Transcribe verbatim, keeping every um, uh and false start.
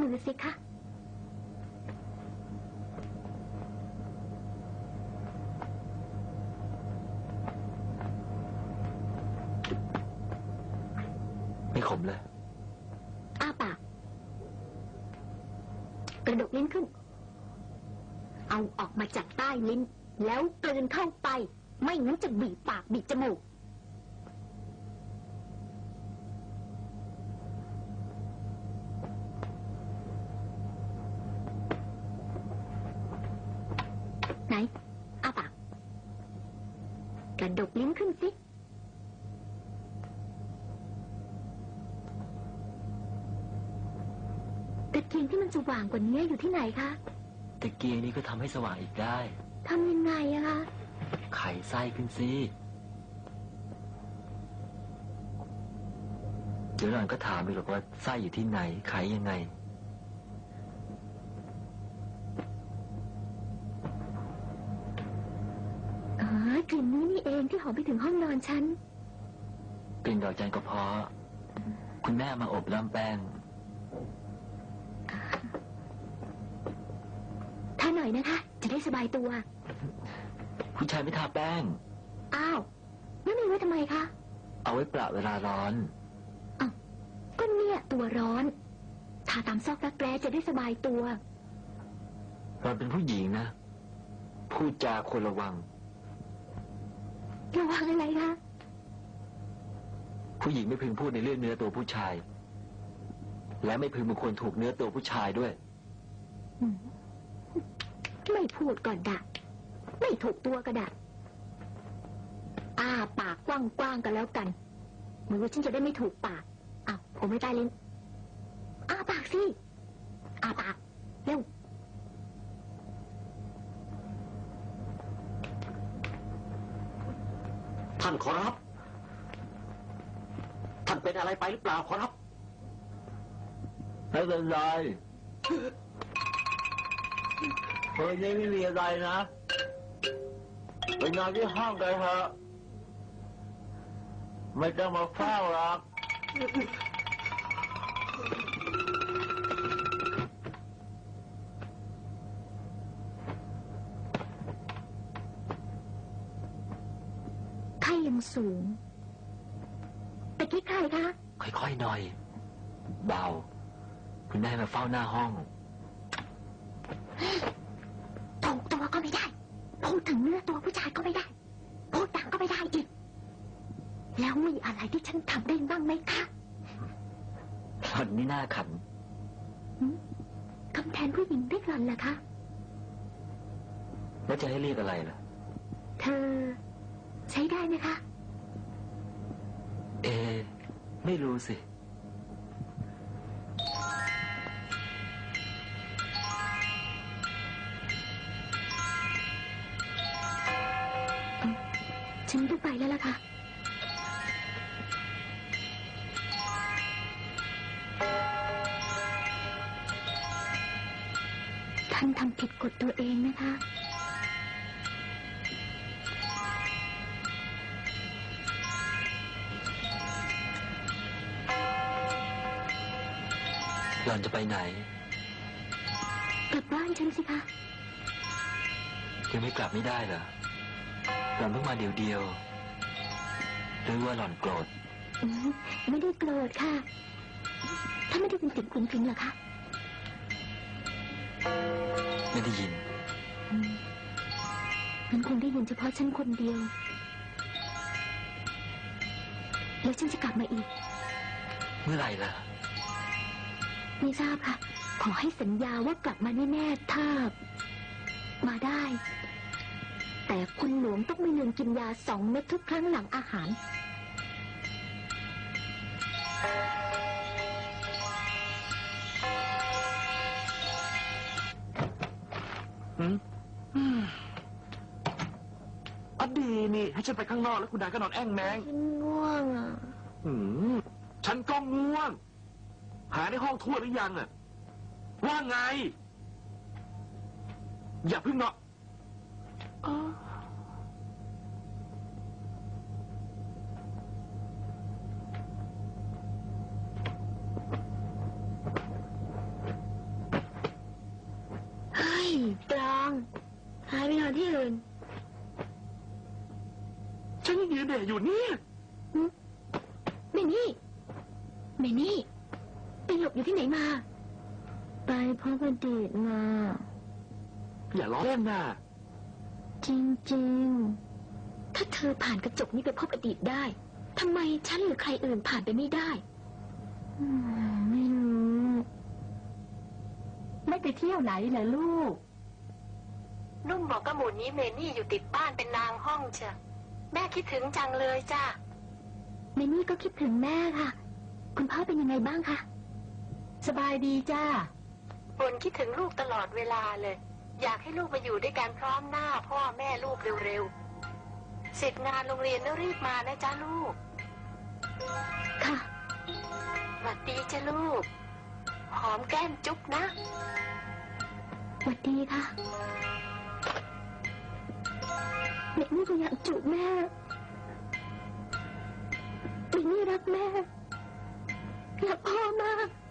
มือสิคะไม่ขมเลยอ้าปากกระดกลิ้นขึ้นเอาออกมาจากใต้ลิ้นแล้วกลืนเข้าไปไม่งั้นจะบีบปากบีบจมูกไหนอ้าปากกระดกลิ้นขึ้นสิตะเกียงที่มันสว่างกว่านี้อยู่ที่ไหนคะตะเกียงนี้ก็ทำให้สว่างอีกได้ทำยังไงอะคะไขไส้ขึ้นสิเดี๋ยวหล่อนก็ถามไปหรอกว่าไส้อยู่ที่ไหนไขยังไงอ๋อกลิ่นนี้นี่เองที่หอมไปถึงห้องนอนฉันกลิ่นดอกจันทร์กระเพาะคุณแม่มาอบล่ำแป้งถ้าหน่อยนะคะจะได้สบายตัวผู้ชายไม่ทาแป้งอ้าวแล้วมีไว้ทำไมคะเอาไว้ประเวลาร้อนอ้าวก็เนี่ยตัวร้อนทาตามซอกรักแร้จะได้สบายตัวเราเป็นผู้หญิงนะพูดจาควรระวังระวังอะไรคะผู้หญิงไม่พึงพูดในเรื่องเนื้อตัวผู้ชายและไม่พึงบุคคลถูกเนื้อตัวผู้ชายด้วยไม่พูดก็ได้ไม่ถูกตัวก็ได้อ้าปากกว้างๆกันแล้วกันเหมือนว่าฉันจะได้ไม่ถูกปากอ้าวผมไม่ใต้ลิ้นอ้าปากสิอ้าปากเร็วท่านขอรับท่านเป็นอะไรไปหรือเปล่าขอรับไม่เป็นไรเฮ้ยนี่ไม่มีอะไรนะไปนอนที่ห้องกันเถอะไม่ต้องมาเฝ้าหรอกไข้ยังสูงแต่กี้ใครคะค่อยๆหน่อยเบาคุณแม่มาเฝ้าหน้าห้องถูกตัวก็ไม่ได้พูดถึงเนื้อตัวผู้ชายก็ไม่ได้พูดดังก็ไม่ได้อีกแล้วมีอะไรที่ฉันทำได้บ้างไหมคะหล่อนนี่น่าขันคำแทนผู้หญิงได้หล่อนเหรอคะแล้วจะให้เรียกอะไรล่ะเธอใช้ได้ไหมคะเอไม่รู้สิฉันต้องไปแล้วล่ะค่ะท่านทำผิดกฎตัวเองนะคะหล่อนจะไปไหนกลับบ้านฉันสิคะยังไม่กลับไม่ได้เหรอหล่อนเพิ่งมาเดียวเดียวหรือว่าหล่อนโกรธไม่ได้โกรธค่ะถ้าไม่ได้เป็นติดคุณพิงเหรอคะไม่ได้ยินมันคงได้ยินเฉพาะฉันคนเดียวแล้วฉันจะกลับมาอีกเมื่อไหร่ล่ะไม่ทราบค่ะขอให้สัญญาว่ากลับมาแน่ๆถ้ามาได้แต่คุณหลวงต้องไม่ลืมกินยาสองเม็ดทุกครั้งหลังอาหารอดีนี่ให้ฉันไปข้างนอกแล้วคุณนายก็นอนแอ่งแมงฉันง่วงอ่ะอืมฉันก็ง่วงหาในห้องทั่วหรือยังอ่ะว่าไงอย่าพึ่งเนาะหายไปนอนที่อื่นฉันยังยืนเด่อยู่เนี่ยหึเมนี่เมนี่ไปหลบอยู่ที่ไหนมา ไปพบอดีตมาอย่าล้อเล่นนะจริงๆ ถ้าเธอผ่านกระจกนี้ไปพบอดีตได้ ทำไมฉันหรือใครอื่นผ่านไปไม่ได้อืมไม่รู้ไม่ไปเที่ยวไหนเหรอลูกนุ่มบอกกระหมูนี้เมนี่อยู่ติดบ้านเป็นนางห้องเชียวแม่คิดถึงจังเลยจ้าเมนี่ก็คิดถึงแม่ค่ะ คุณพ่อเป็นยังไงบ้างคะสบายดีจ้าบ่นคิดถึงลูกตลอดเวลาเลย อยากให้ลูกมาอยู่ด้วยกันพร้อมหน้าพ่อแม่ลูกเร็วๆเสร็จงานโรงเรียนแล้วรีบมานะจ้าลูกค่ะหวัดดีจ้าลูก หอมแก้มจุ๊บนะสวัสดีค่ะเด็กนี่ก็อยากจูบแม่เด็กนี่รักแม่รักพ่อมาก